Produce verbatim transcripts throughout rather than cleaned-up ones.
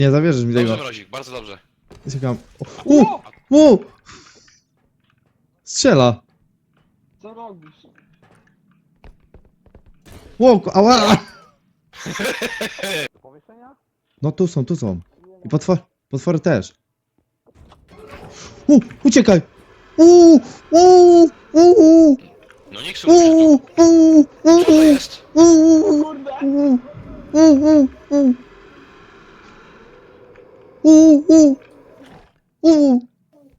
Nie zawierzysz mi tego. Dobrze, mrozik, bardzo dobrze. Czekam. U! U! Strzela! Co robisz? Ło, ała! Do powieszenia? No tu są, tu są. I potwor, potwory też. U! Uciekaj! U! U! U! No nie krzyż się U! tu. U! Co to jest? U! Kurde! U! U! U! U! U! U!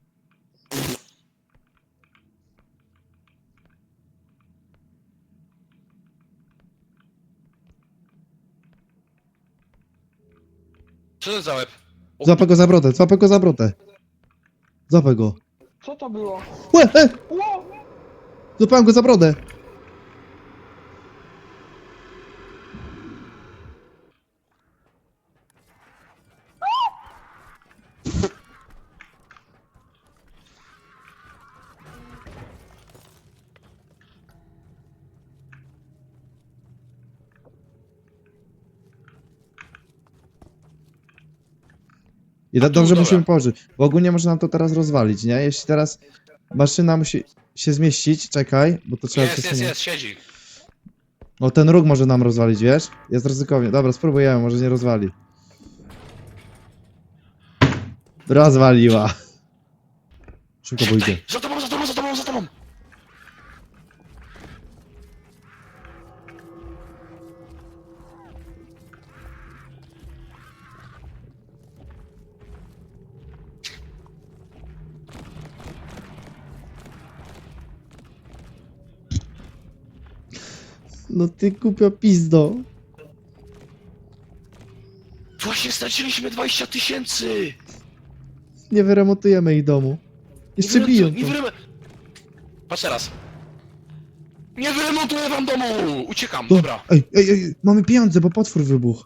Co to jest za łeb? O, Złapę go za brodę, złapę go za brodę. Złapę go. Co to było? Łe, e! Ło! Złapałem go za brodę. I A to tu, dobrze dobra. musimy położyć, bo ogólnie może nam to teraz rozwalić, nie? Jeśli teraz maszyna musi się zmieścić, czekaj, bo to trzeba Jest, jest, przesunąć. jest, siedzi. No ten róg może nam rozwalić, wiesz? Jest ryzykownie. Dobra, spróbujemy, może nie rozwali. Rozwaliła. Szybko pójdzie. Za tobą, za tobą, za tobą, za tobą! No ty kupio pizdo. Właśnie straciliśmy dwadzieścia tysięcy! Nie wyremontujemy ich domu. Jeszcze Nie biją wyremontuj- Nie to. wyrem... Patrz teraz. Nie wyremontuję wam domu! Uciekam, No, dobra. Ej, ej, ej, mamy pieniądze, bo potwór wybuchł.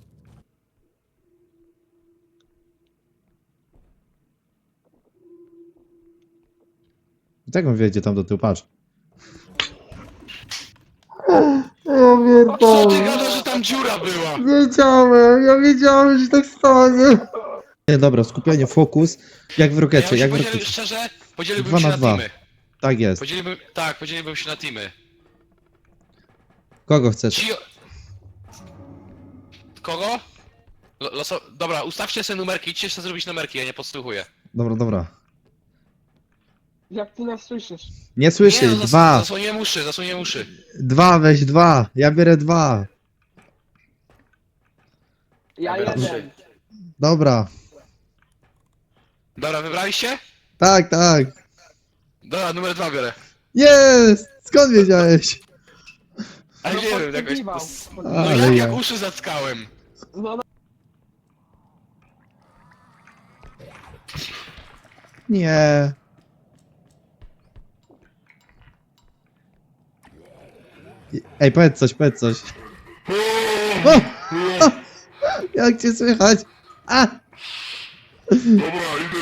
I tak on wiedzie tam do tyłu, patrz. Ja Co ty gadasz, że tam dziura była? Wiedziałem, ja wiedziałem, że tak stanie. Nie, dobra, skupienie, fokus. Jak w Ja rokecie, bym jak w podzielił, rokecie. szczerze, podzieliłbym Dwa się na na, dwa. teamy. Tak jest. Podzieliłbym, tak, podzieliłbym się na teamy. Kogo chcesz? Ci... Kogo? Lo- Loso... Dobra, ustawcie sobie numerki, idźcie sobie zrobić numerki, ja nie podsłuchuję. Dobra, dobra. Jak ty nas słyszysz? Nie słyszy, Nie, no, zas dwa. zasłoniłem uszy, zasłoniłem uszy. Dwa, weź dwa. Ja biorę dwa. Ja Dobra. jeden. Dobra. Dobra, wybraliście? Tak, tak. Dobra, numer dwa biorę. Jest! Skąd wiedziałeś? Ale No, nie wiem, jakoś... podkiwał. No Ale jak, ja. jak uszy zatkałem. No, no. Nie. Ej, powiedz coś, powiedz coś. O! O! Jak cię słychać? A! Dobra, idę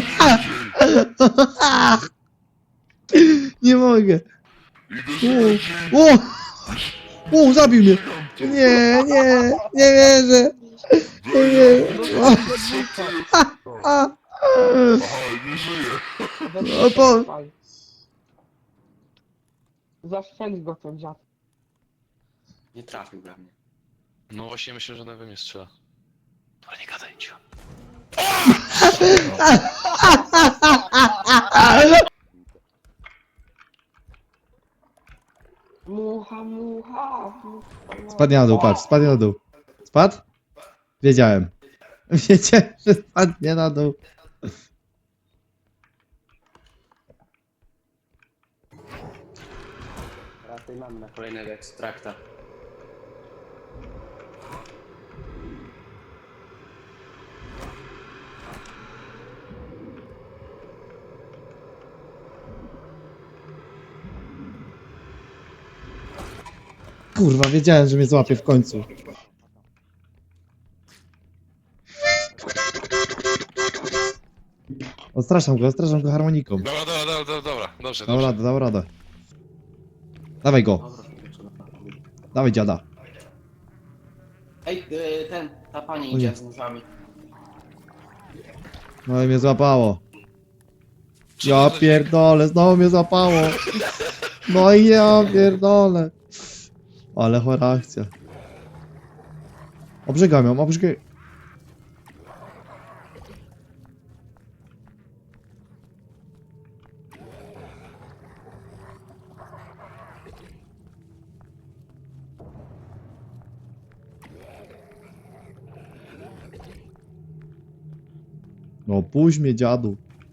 żygać. Nie mogę. O! O! O! Zabił mnie! Nie, nie, nie wierzę! Nie wierzę! O! A! nie żyję. O, po- Zaszczeli go ten dziad. Nie trafił we mnie. No właśnie myślę, że we mnie strzela. Dobra, nie gadaj, cicho. Mucha, mucha, mucha. Spadnie na dół, patrz, spadnie na dół. Spadł? Wiedziałem. Wiedziałem, że spadnie na dół. Teraz tutaj mamy na kolejnego ekstrakta. Kurwa, wiedziałem, że mnie złapie w końcu. Ostraszam go, ostraszam go harmoniką. Dobra, dobra, dobra, dobra, dobra. Dobrze, Dał dobrze. radę, dał radę. Dawaj go, Dobra, trzeba. dawaj dziada. Ej, y, ten, ta pani O idzie nie. z nóżami. No i mnie złapało. Co Ja to za pierdolę, znowu mnie złapało. No i ja pierdolę. Ale chora akcja. Obrzegam ją, obrzegam. No puść mnie, dziadu.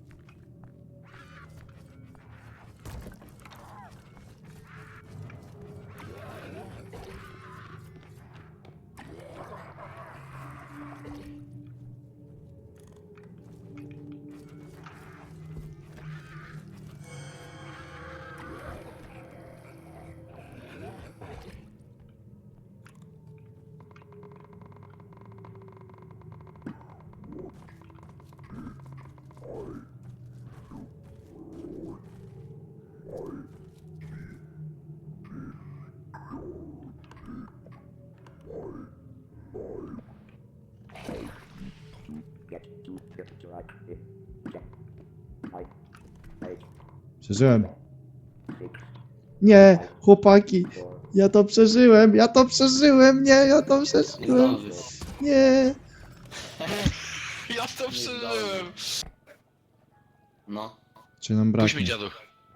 Przeżyłem. Nie, chłopaki. Ja to przeżyłem, ja to przeżyłem, nie, ja to Nie przeżyłem. zdążysz. Nie. Ja to przeżyłem. No. Czy nam Puść mi braknie? dziadu.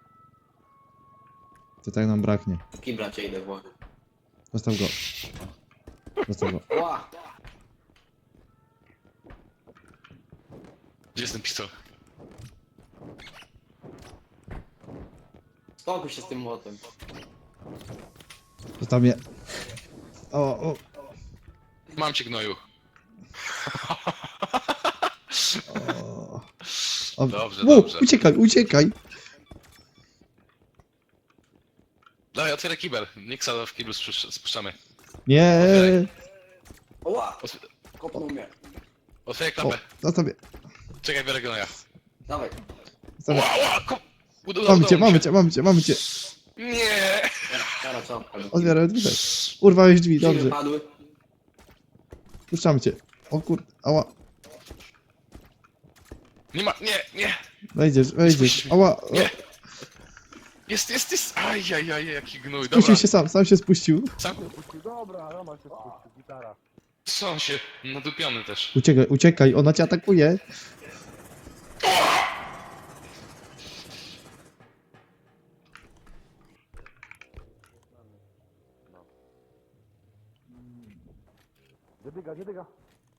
To tak nam braknie. W kibla cię idę włożyć. Zostaw go. Zostaw go. Ła! Gdzie jest ten pistol? Spokój się z tym młotem. Zostaw mnie. O, o. Mam cię, gnoju. o. o. Dobrze, U, dobrze. uciekaj, uciekaj. Dawaj, otwieraj kibel. Nixa w kiblu spusz- spuszczamy. Nie. Ła! Otw- Kopnął mnie. Otwieraj O, klapę. zostaw mnie. Czekaj, biorę gnoja. Dawaj. Zostaw mnie. Ła, ła, ko... Uda- Mamy udało cię, mi mamy się. cię, mamy cię, mamy cię. Nie! Kara co? Otwieraj drzwi. Urwałeś drzwi, Drzwi dobrze. wypadły. Puszczamy cię. O kurde, ała. Nie ma, nie, nie! Wejdziesz, wejdziesz. Ała. Nie! Jest, jest, jest! Ajajaj, jaki gnój, dobra. Spuścił się sam, sam się spuścił. Sam... Dobra, Roma się spuścił, gitara. Co on się? Nadupiony też. Uciekaj, uciekaj, ona cię atakuje. Gdzie dyga, gdzie dyga?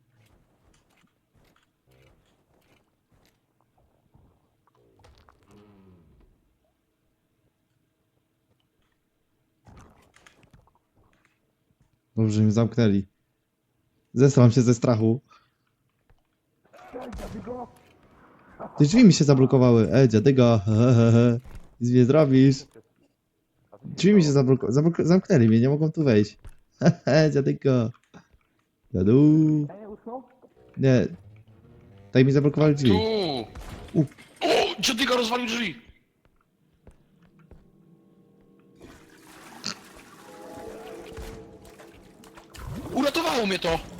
Dobrze, że mnie zamknęli. Zesram się ze strachu. Te drzwi mi się zablokowały. E, dziadyga, hehehe. Nic nie zrobisz. Drzwi mi się zablokowały. Zabloko zamknęli mnie, nie mogą tu wejść. Hehe, dziadyga. Dziadu. Ej, usnął? Nie. Tutaj mi zablokowali drzwi. Tu! U. O! Dziadyga rozwalił drzwi! Uratowało mnie to!